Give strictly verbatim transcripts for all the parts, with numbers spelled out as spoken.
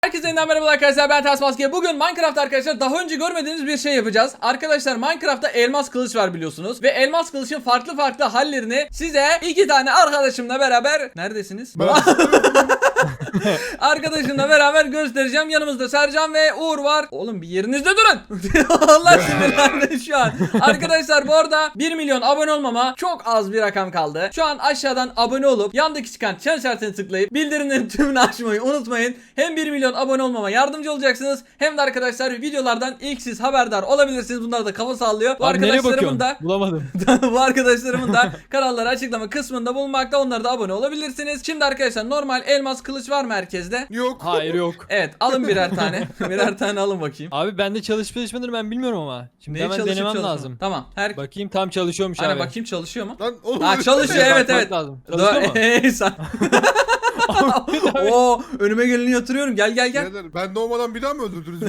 Herkese yeniden merhaba arkadaşlar, ben Ters Maske. Bugün Minecraft arkadaşlar daha önce görmediğiniz bir şey yapacağız. Arkadaşlar Minecraft'ta elmas kılıç var biliyorsunuz. Ve elmas kılıçın farklı farklı hallerini size iki tane arkadaşımla beraber... Neredesiniz? Arkadaşımla beraber göstereceğim. Yanımızda Sercan ve Uğur var. Oğlum bir yerinizde durun. Allah sinirlendi şu an. Arkadaşlar bu arada bir milyon abone olmama çok az bir rakam kaldı. Şu an aşağıdan abone olup yandaki çıkan çan işaretini tıklayıp bildirimlerin tümünü açmayı unutmayın. Hem bir milyon abone olmama yardımcı olacaksınız. Hem de arkadaşlar videolardan ilk siz haberdar olabilirsiniz. Bunlar da kafa sallıyor. Bu Abi arkadaşlarımın da bulamadım. bu arkadaşlarımın da kanalları açıklama kısmında bulunmakta. Onlara da abone olabilirsiniz. Şimdi arkadaşlar normal elmas kılıç var mı herkeste? Yok. Hayır yok. Evet, alın birer tane. Birer tane alın bakayım. Abi bende çalışıp çalışmadığını ben bilmiyorum ama. Şimdi Neyi hemen çalışıp denemem çalışmıyor? lazım. Tamam. Her Bakayım tam çalışıyormuş Hani abi. bakayım çalışıyor mu? Lan oğlum. Ha çalışıyor, evet Bakmak evet. lazım. Çalışıyor mu? Ey sen. Oo, önüme geleni yatırıyorum. Gel gel gel. Birader, ben doğmadan bir daha mı öldürdünüz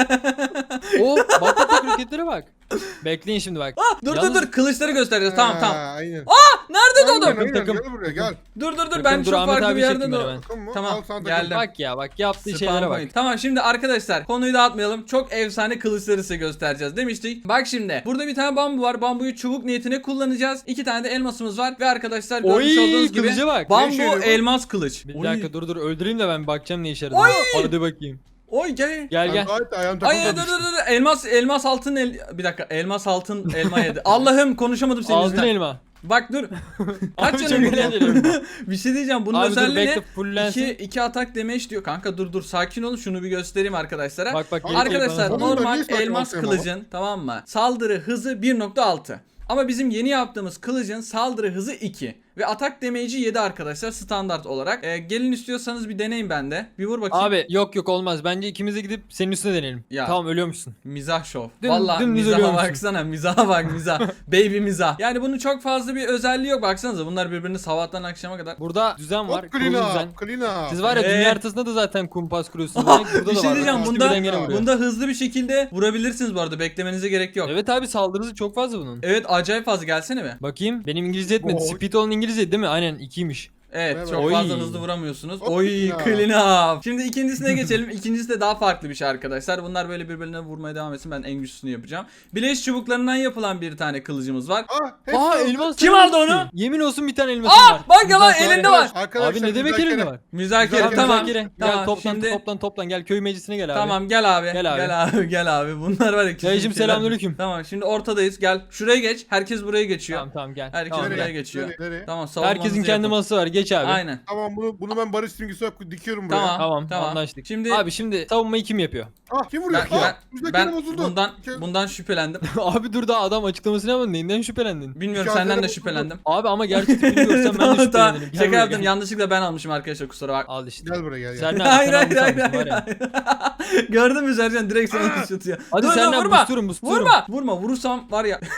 beni? Oo bak bak bak hareketlere bak. Bekleyin şimdi bak. Ah, dur Yalnız- dur dur, kılıçları göstereceğiz. Tamam tamam. Ha, aynen. Nerede Aynen, doğdum? aynen, Takım. Gel buraya gel. Dur dur dur, Takım, ben dur, çok Ahmet farklı abi bir yerde çekeyim ben doğdum. hemen. Takım mı? Tamam, Al sana takım. geldim. Bak ya bak yaptığı Spam şeylere bak. point. Tamam şimdi arkadaşlar konuyu dağıtmayalım. Çok efsane kılıçları size göstereceğiz demiştik. Bak şimdi burada bir tane bambu var. Bambuyu çubuk niyetine kullanacağız. İki tane de elmasımız var ve arkadaşlar görmüş Oy, olduğunuz gibi kılıca bak. bambu Ne işe yarıyor bu? elmas kılıç. Bir Oy. dakika dur dur öldüreyim de ben bakacağım ne işe yaradığını. Oy! Hadi bakayım. Oy gel. Gel Ben gel. gayet ayağım Ay takıldı. dur dur dur, elmas elmas altın el bir dakika, elmas altın elma yedi. Allah'ım konuşamadım senin Aldın yüzünden. elma. Bak dur. Kaç Abi çok canın var? eğlenceli. Bir şey diyeceğim, bunun Abi dur özelliği bekle ne? fullensin. İki, iki atak damage diyor. Kanka dur dur sakin olun, şunu bir göstereyim arkadaşlara. Bak bak. gelip Arkadaşlar gelip Onun da normal niye sakin elmas olsayım kılıcın tamam mı? Saldırı hızı bir nokta altı. Ama bizim yeni yaptığımız kılıcın saldırı hızı iki. Ve atak damage'i yedi arkadaşlar standart olarak. Ee, gelin istiyorsanız bir deneyin bende. Bir vur bakayım. Abi yok yok olmaz. Bence ikimiz de gidip senin üstüne deneyelim. Ya. Tamam ölüyormuşsun. Mizah şov. Dün- Vallahi dümdüz mizaha ölüyormuşsun. baksana. Mizaha bak mizah. Baby mizah. Yani bunun çok fazla bir özelliği yok. Baksanıza bunlar birbirini sabahtan akşama kadar. Burada düzen var. Hop Kurulu clean düzen. up. Clean up. Siz var ya Ee? dünya haritasında da zaten kumpas kuruyorsunuz. Demek burada Bir da şey var. diyeceğim, İkisi bunda birden gene vuruyor. bunda hızlı bir şekilde vurabilirsiniz bu arada. Beklemenize gerek yok. Evet, Evet abi saldırısı çok fazla bunun. acayip fazla, gelsene be. Bakayım benim İngilizce etmedi. Oy. Speed olan İngilizce değil mi? Aynen ikiymiş. Evet, Evet. çok Oy. fazla hızlı vuramıyorsunuz. Hop Oy ya. clean up. Şimdi ikincisine geçelim. İkincisi de daha farklı bir şey arkadaşlar. Bunlar böyle birbirine vurmaya devam etsin. Ben en güçlüsünü yapacağım. Bileş çubuklarından yapılan bir tane kılıcımız var. Ah, hepsi Aa oldu. elmas. Kim aldı onu? Yemin olsun bir tane elmasım Aa var. bak ya lan, Müzakere. elinde var. Arkadaşlar, Abi ne demek müzakere. elinde var? Müzakere, Müzakere, tamam. Müzakere. Tamam, Gel toplan şimdi- toplan toplan gel köy meclisine gel abi. Tamam gel abi. Gel abi. Gel abi. Gel abi. Bunlar var ya. Dayıcım, kesin selamünaleyküm. Tamam şimdi ortadayız. Gel. Şuraya geç. Herkes buraya geçiyor. Tamam tamam gel. Herkes Tamam, buraya gel. Nereye? geçiyor. Nereye? Nereye? Tamam, savunmanızı Herkesin kendi yapın. masası var. Geç abi. Aynen. Tamam bunu bunu ben barış simgesi olarak dikiyorum buraya. Tamam. Tamam, Tamam. anlaştık. Şimdi Abi şimdi savunmayı kim yapıyor? Ah kim vuruyor? ben, ah, ben, müzakere ben bozuldu. bundan Kim- bundan şüphelendim. Abi dur da adam açıklamasını yapmadı. Neyinden şüphelendin? Bilmiyorum, Mücadele senden de bozuldu. şüphelendim. Abi ama gerçek tipini görsem ben de Tamam, tamam. şüphelenirim. Gel Şaka buraya, yaptım. gel. Yanlışlıkla ben almışım arkadaşlar, kusura bak. Al işte. Gel buraya gel. gel. Serna Hayır sen hayır hayır almışsın var hayır. ya. Gördün mü Sercan, direkt sana tutuyor. Hadi Dur, dur, Serna vurma. busturum busturum. Vurma. Vurma. Vurursam var ya.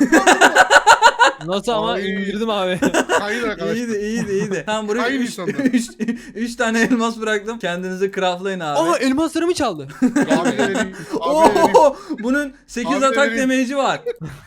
Nasıl ama Ay. indirdim abi. Hayır arkadaşlar. iyiydi iyiydi iyiydi. Tamam buraya Aynı üç, insanlar. üç, üç tane elmas bıraktım. Kendinizi craftlayın abi. Aa elmaslarımı çaldı. Abi vereyim. Abi vereyim. Oo, bunun sekiz Abi atak vereyim. damage'i var.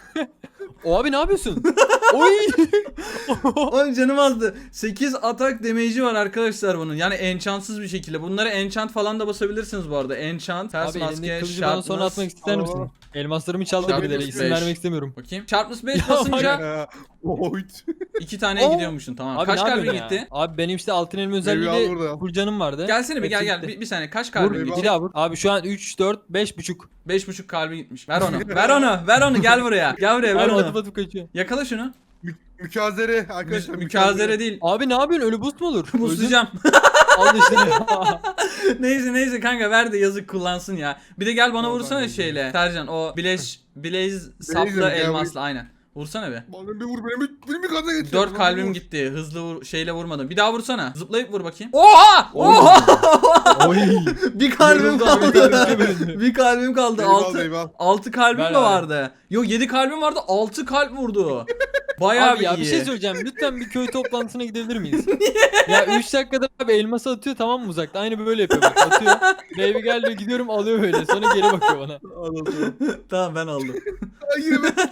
O abi ne yapıyorsun? Oy. Oğlum canım azdı. sekiz atak damage'i var arkadaşlar bunun. Yani enchantsız bir şekilde. Bunları enchant falan da basabilirsiniz bu arada. Enchant, ters Abi elindeki maske, kılıcı bana sonra sharpness. atmak ister misin? Aa. Elmaslarımı çaldı Sharpness birileri. İsim beş. vermek istemiyorum. Bakayım. Sharpness beş Ya basınca Ya, Oyt. iki taneye Oo. gidiyormuşsun, tamam. Abi Kaç ne kalbin yapıyorsun gitti? ya? Abi benim işte altın elma Meyve al özelliğiyle burada. full canım vardı. Gelsene bir, gel Hepsi gel. gitti. Bir, bir saniye, kaç kalbin Vur, gitti? Bir daha vur. Abi şu an üç, dört, beş buçuk. beş buçuk kalbin gitmiş. Ver onu. Ver onu. Ver onu. Gel buraya. Gel buraya. Ver Abi atıp onu. atıp kaçıyor. Yakala şunu. Mü- Mükazere arkadaşlar. Mü- mükazere değil. Abi ne yapıyorsun? Ölü boost mu olur? Buslayacağım. Öldün. Al işte. Neyse neyse kanka, ver de yazık kullansın ya. Bir de gel bana Tamam, vursana ben şeyle. Sercan o Blaze Blaze saplı gel elmasla, aynen. Vursana be. Bana bir vur beni bir, beni bir gaza getir. Dört Bana kalbim vur. gitti. Hızlı vur, şeyle vurmadım. Bir daha vursana. Zıplayıp vur bakayım. Oha! Oha! Oy. Bir kalbim Yoruldu abi, kaldı. ikiye bölündü. Bir kalbim kaldı. Eyvallah, Altı, eyvallah. altı kalbim Ver mi abi. vardı? Yok, yedi kalbim vardı. Altı kalp vurdu. Bayağı Abi ya iyi. bir şey söyleyeceğim. Lütfen bir köy toplantısına gidebilir miyiz? Ya üç dakikada abi elması atıyor tamam mı uzakta? Aynı böyle yapıyor bak. Atıyor. Baby gel diyor, gidiyorum alıyor böyle. Sonra geri bakıyor bana. Anladım. Tamam ben aldım. Ay, yine ben.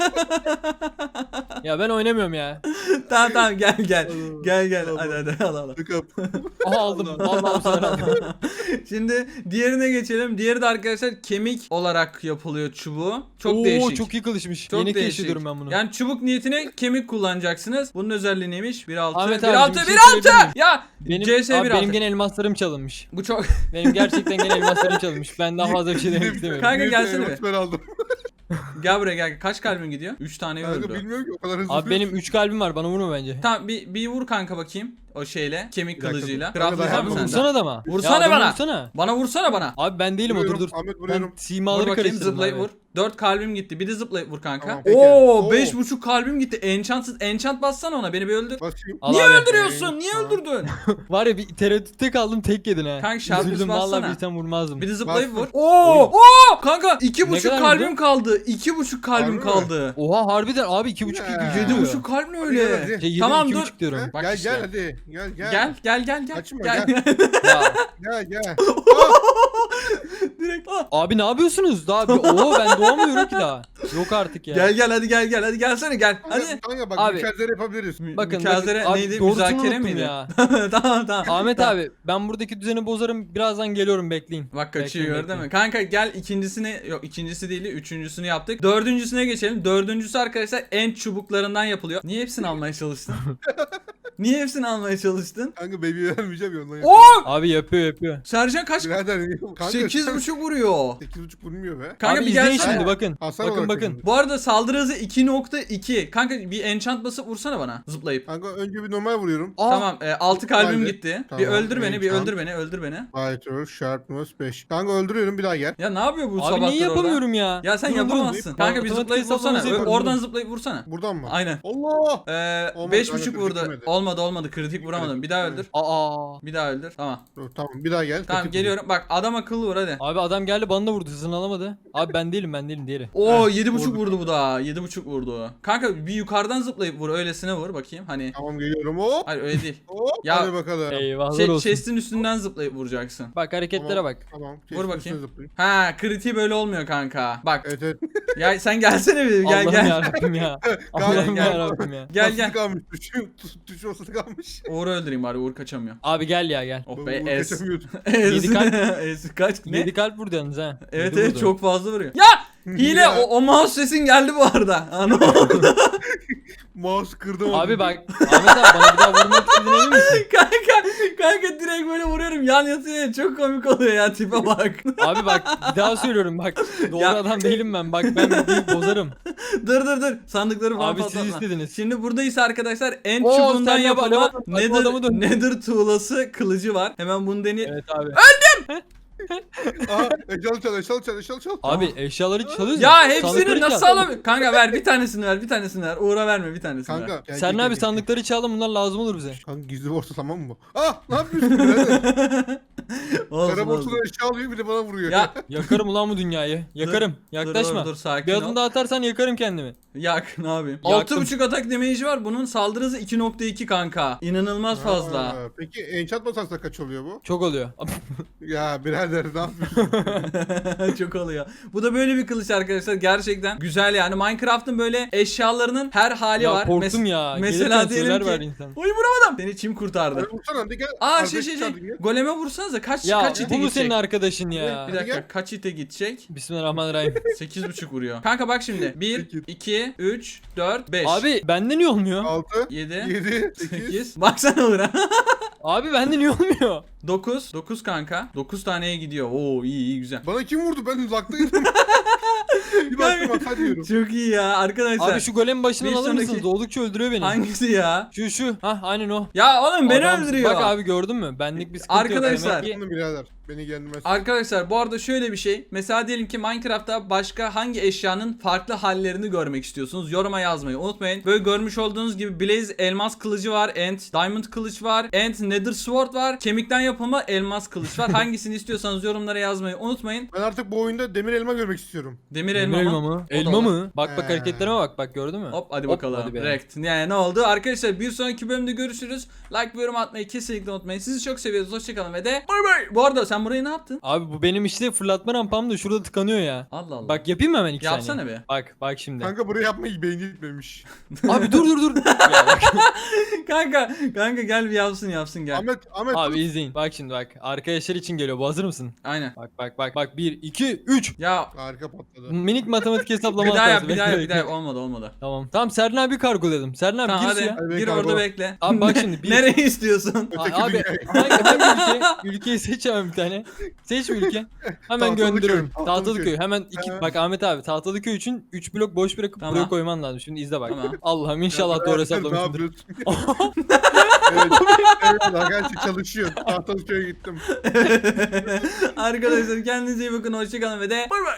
Ya ben oynamıyorum ya. Tamam tamam gel gel. Tamam. Gel gel Tamam. hadi hadi al al. Tıkap. Aha aldım. Vallahi bu sefer aldım. Şimdi diğerine geçelim. Diğeri de arkadaşlar kemik olarak yapılıyor çubuğu. Çok Oo, değişik. çok iyi kılıçmış. Çok Yeni değişik. keşfediyorum ben bunu. Yani çubuk niyetine kemik kullanacaksınız. Bunun özelliği neymiş? bir altı Ahmet bir abi, altı bir şey bir altı söyleyebilir miyim? Ya Benim, C S abi bir benim altı. gene elmaslarım çalınmış. Bu çok Benim gerçekten gene elmaslarım çalınmış. Ben daha fazla bir şey demek istemiyorum. Kanka Neyse, gelsene evet, bir. Ben aldım. Gel buraya gel. Kaç kalbin gidiyor? üç tane Kanka öldü. bilmiyorum ki o kadar hızlı. Abi benim üç kalbim var, bana vurma bence. Tamam bir, bir vur kanka bakayım. O şeyle. Kemik Bir dakika, kılıcıyla. dur. Craftlayacak Kanka, mısın ben sen de? Vursana da mı? Vursana Ya adamı bana. Vursana. Bana vursana bana. Abi ben değilim, o dur dur. Ahmet Ben vuruyorum. Vur simaları bakayım karıştırdım zıplayıp abi. vur. dört kalbim gitti. Bir de zıplayıp vur kanka. Tamam, peki. Oo Oo. beş buçuk kalbim gitti. Enchantsız enchant bassana ona. Beni bir öldür. Basayım. Al Niye abi. öldürüyorsun? Niye Tamam. öldürdün? Var ya bir tereddütte kaldım, tek yedin ha. Kanka şarkısı Üzüldüm bassana. vallahi, bir tane vurmazdım. Bir de zıplayıp vur. Bastım. Oo! Oo! Kanka iki Ne buçuk kadar kalbim vurdu? kaldı. iki buçuk kalbim Harbi mi? kaldı. Oha harbiden abi, iki buçuk Ya. iki Yedi diyor. buçuk kalp ne Hadi öyle? gel, hadi. Şey, yedi, Tamam iki dur. buçuk diyorum. Bak Gel işte. gel hadi. Gel gel. Gel gel gel gel. Kaçma, gel. Ya. Gel gel. Direkt ah. Abi ne yapıyorsunuz? Daha bir oo, ben doğamıyorum ki daha. Yok artık ya. Gel gel hadi gel gel hadi gelsene gel. Hadi. Kanka bak Abi. mükemmel yapabiliriz. Mü- Bakın, Mükazere bakın. Abi, neydi? doğrusunu Müzakere unuttum miydi? ya. tamam tamam. Ahmet Tamam. abi, ben buradaki düzeni bozarım. Birazdan geliyorum, bekleyin. Bak kaçıyor Bekleyin, gördün mü? bekleyin. Kanka gel ikincisini yok ikincisi değil üçüncüsünü yaptık. Dördüncüsüne geçelim. Dördüncüsü arkadaşlar en çubuklarından yapılıyor. Niye hepsini almaya çalıştın? Niye hepsini almaya çalıştın? Kanka baby vermeyeceğim ya ondan. Oo! Abi yapıyor yapıyor. Sercan kaç? Birader kanka. sekiz buçuk vuruyor. sekiz buçuk vurmuyor be. Kanka abi bir izleyin gelsene. şimdi, bakın. Hasan bakın olarak bakın. kazandı. Bu arada saldırı hızı iki nokta iki. Kanka bir enchant basıp vursana bana zıplayıp. Kanka önce bir normal vuruyorum. Aa, Tamam e, altı kalbim Hadi. gitti. Tamam, bir öldür beni, bir enchant. öldür beni, öldür beni. Fighter, Sharpness beş. Kanka öldürüyorum bir daha gel. Ya ne yapıyor bu Abi sabahtır niye orada? yapamıyorum ya? Ya sen Durun, durun. yapamazsın. Kanka bir Otomatik zıplayıp vursana. hesaplaması Ö- yapıyorum, Oradan durun. zıplayıp vursana. Buradan mı? Aynen. Allah! Ee, Olmadı, beş kanka, buçuk kritik vurdu. yemedi. Olmadı olmadı kritik vuramadım. Bir daha öldür. Aa. Bir daha öldür. Tamam. Dur, tamam bir daha gel. Tamam Kritik geliyorum. Bak adam akıllı vur hadi. Abi adam geldi bana da vurdu, hızını alamadı. Abi ben değilim, ben değilim diğeri. Oo Heh, yedi buçuk vurdu. vurdu bu da. Yedi buçuk vurdu. Kanka bir yukarıdan zıplayıp vur. Öylesine vur bakayım. Hani. Tamam geliyorum. Hop. Hayır öyle değil. Hop. Ya- Hadi bakalım. Eyvahlar Şey, olsun. chest'in üstünden zıplayıp vuracaksın. Bak hareketlere Tamam, bak. Tamam. Vur Chest'in bakayım. üstüne zıplayayım. Ha kritiği böyle olmuyor kanka. Bak. Evet evet. Ya sen gelsene bir gel Allah'ım gel. yarabbim ya. Allah'ım gel. yarabbim ya. Gel Basılı gel. kalmış. Tuşu, tuş olsası kalmış. Uğur'u öldüreyim bari. Uğur kaçamıyor. Abi gel ya gel. Oh Bu- be bu es. kaçamıyordu. Es. Yedi kalp. Es kaç ne? yedi kalp vurdu yalnız ha. Evet Yedi evet vurdu. çok fazla vuruyor. Ya hile Ya. o, o mouse sesin geldi bu arada. Ha, ne oldu? Mouse kırdım. Abi bak Ahmet abi, bana bir daha vurmak istediğine emin misin? kanka kanka direkt böyle vuruyorum yan yatıyor çok komik oluyor ya tipe bak. Abi bak bir daha söylüyorum bak. Doğru Ya. adam değilim ben. Bak ben videoyu bozarım. dur dur dur sandıkları falan Abi siz patlatma. istediniz. Şimdi buradayız arkadaşlar en Oo, çubuğundan sen de bak, yapılma bak, bak, bu adamı nether, dön. nether tuğlası kılıcı var. Hemen bunu deneyelim. Evet abi. Aha eşyalı çal eşyalı çal eşyalı çal. Abi eşyaları çalıyoruz. Ya hepsini sandıkları nasıl çal. alamıyorum? Kanka ver bir tanesini ver bir tanesini ver. Uğur'a verme bir tanesini ver. Kanka. gel, Sen gel, ne abi, gel, sandıkları çalalım, bunlar lazım olur bize. gel. Kanka gizli borsa tamam mı? Ah ne yapıyorsun birader? Olsun, Kara olsun. borsada eşya alıyor bir de bana vuruyor. Ya Yakarım ulan bu dünyayı. Yakarım. Yaklaşma. Dur, dur, dur sakin Bir ol. adım daha atarsan yakarım kendimi. Yak ne yapayım? Yaktım. altı buçuk atak damage'i var. Bunun saldırı hızı iki nokta iki kanka. İnanılmaz fazla. Ha, peki enchant basarsa kaç oluyor bu? Çok oluyor. Ya birader ne yapıyorsun? Çok oluyor. Bu da böyle bir kılıç arkadaşlar. Gerçekten güzel yani. Minecraft'ın böyle eşyalarının her hali Ya var. korktum Mes- ya. Mesela Gelirken diyelim söyler ki. ver insan. Oy vuramadım. Seni çim kurtardı. Hadi vursana hadi gel. Aa Arkadaş şey şey şey. çağırdın, gel. Goleme vursanıza kaç Ya kaç ite bu mu gidecek? senin arkadaşın ya? Bir Hadi dakika gel. kaç ite gidecek? Bismillahirrahmanirrahim. sekiz buçuk vuruyor. Kanka bak şimdi. bir, Sekiz. iki, üç, dört, beş. Abi bende niye olmuyor? altı, yedi, yedi, sekiz. sekiz. Baksana Uğur'a. Abi bende niye olmuyor? dokuz. dokuz kanka. dokuz taneye gidiyor. Oo iyi iyi güzel. Bana kim vurdu? Ben uzaktaydım. Bir baktım hata diyorum. Çok iyi ya arkadaşlar. Abi şu golem başından Bir alır sonraki- mısınız? Doğdukça öldürüyor beni. Hangisi ya? Şu şu. Hah aynen o. Ya oğlum beni Adamsın. öldürüyor. Bak abi gördün mü? Benlik bir sıkıntı Arkadaşlar- yok. Demek ki- Bunu birader. Beni gelmez. Arkadaşlar bu arada şöyle bir şey. Mesela diyelim ki Minecraft'ta başka hangi eşyanın farklı hallerini görmek istiyorsunuz? Yoruma yazmayı unutmayın. Böyle görmüş olduğunuz gibi Blaze elmas kılıcı var. Ant diamond kılıç var. Ant nether sword var. Kemikten yapılma elmas kılıç var. Hangisini istiyorsanız yorumlara yazmayı unutmayın. Ben artık bu oyunda demir elma görmek istiyorum. Demir Elma, elma, elma mı? mı? O da Elma olur. mı? Bak bak He. hareketlerime bak bak gördün mü? Hop hadi Hop, bakalım. hadi be. Rekt. Yani ne oldu? Arkadaşlar bir sonraki bölümde görüşürüz. Like ve yorum atmayı kesinlikle unutmayın. Sizi çok seviyoruz. Hoşçakalın ve de bay bay. Bu arada sen sen burayı ne yaptın? Abi bu benim işte fırlatma rampam da şurada tıkanıyor ya. Allah Allah. Bak yapayım mı hemen iki Yapsana saniye? bir. Bak bak şimdi. Kanka buraya yapmayı beyin gitmemiş. Abi dur dur dur. Ya bak. kanka kanka gel bir yapsın yapsın gel. Ahmet Ahmet Abi izleyin. Bak şimdi bak. Arkadaşlar için geliyor. Bu hazır mısın? Aynen. Bak bak bak bak. bir iki üç. Ya harika patladı. Minik matematik hesaplama bir daha yap hatası. bir daha Bekle, yap bir daha yap. bekle. Olmadı olmadı. Tamam. Tamam Serhan abi kargoladım. Serhan abi Tamam gir hadi suya. Hadi gir kargo. orada bekle. Abi bak şimdi. Bir, Nereye istiyorsun? A- Öteki abi dünyaya. hangi, hangi ülke? Ülkeyi seç hemen bir tane. Seç bir ülke. Hemen Tahtalıköy, gönderiyorum. Tahtalıköy. Tahtalıköy. Hemen iki Ha. bak Ahmet abi Tahtalıköy için üç blok boş bırakıp Tamam. buraya koyman lazım. Şimdi izle bak. Tamam. Allah'ım inşallah doğru Ne hesaplamışımdır. yapıyorsun? evet. Eyvallah gerçi çalışıyor. Tahtalıköy'e gittim. Arkadaşlar kendinize iyi bakın. Hoşçakalın ve de bay bay.